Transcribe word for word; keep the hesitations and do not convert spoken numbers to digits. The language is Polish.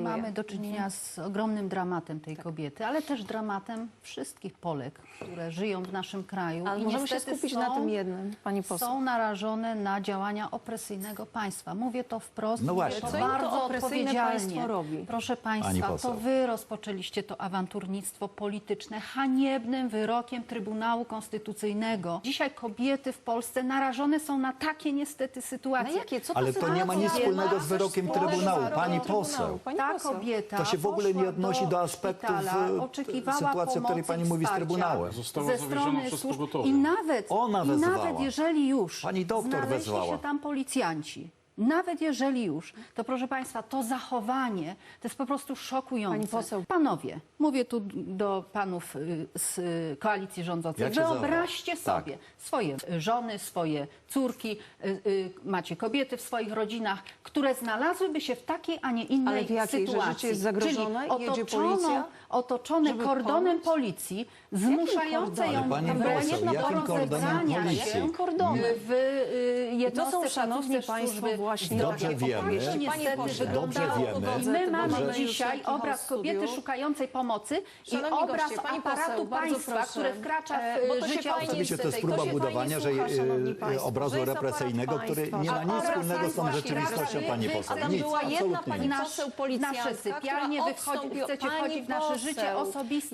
szanuję. mamy do czynienia z ogromnym dramatem tej kobiety, ale też dramatem wszystkich Polek, które żyją w naszym kraju. Ale i możemy się niestety skupić są, na tym jednym, pani poseł. są narażone na działania opresyjnego państwa. Mówię to wprost, No mówię właśnie. to Co im to bardzo opresyjne odpowiedzialnie. państwo robi? Proszę Pani państwa, poseł. to wy rozpoczęliście to awanturnictwo polityczne haniebnym wyrokiem Trybunału Konstytucyjnego. Dzisiaj kobiety w Polsce narażone są na takie niestety Na sytuacje. jakie? Co to Ale to nie ma nic sytuacja? wspólnego z Coś wyrokiem wspólnego Trybunału, z wyrokiem pani Trybunału. poseł. Pani Ta poseł. kobieta To się w ogóle nie poszła odnosi do aspektów, szpitala, e, oczekiwała sytuacji, o której pomocy pani i mówi z wsparcia Trybunałem. Została ze zawieziona strony przez służb. pogotowie. I nawet, Ona i wezwała. nawet jeżeli już Pani doktor znaleźli wezwała. się tam policjanci, nawet jeżeli już, to proszę państwa, to zachowanie to jest po prostu szokujące. Pani poseł. Panowie, mówię tu do panów y, z y, koalicji rządzącej. Jak się Wyobraźcie nazywa? sobie swoje żony, swoje córki, y, y, macie kobiety w swoich rodzinach, które znalazłyby się w takiej, a nie innej Ale w jakiej? Że sytuacji. życie jest zagrożone Czyli i jedzie otoczoną, policja? otoczone Żeby kordonem pomóc? policji, zmuszające kordonem? ją Ale pani wręcz poseł, do jakim kordonem rozebrania policji? się Jakim kordonem? w y, jednostce To są, szanowni placówce państwo, służby właśnie zdrowia. Dobrze Tak to wiemy, niestety Panie pośle, wyglądało. dobrze wiemy, I my że- mamy że- dzisiaj już taki obraz hał kobiety studiów. szukającej pomocy i Szanowni obraz goście, pani aparatu poseł, bardzo państwa, proszę. które wkracza E, w bo to się życie fajnie- osób. Oczywiście to jest To próba się budowania, że fajnie słucha, szanowni e, państwo, obrazu że jest aparat represyjnego, który państwa. nie ma nic Aparat wspólnego z tą państwa rzeczywistością, kieruje. pani poseł. Adam Nic, była jedna absolutnie pani nic. Nasz, poseł policjantka, nasze sypialnie, która wychodzi, odstąpiła- chcecie Pani wchodzić w nasze poseł. życie osobiste.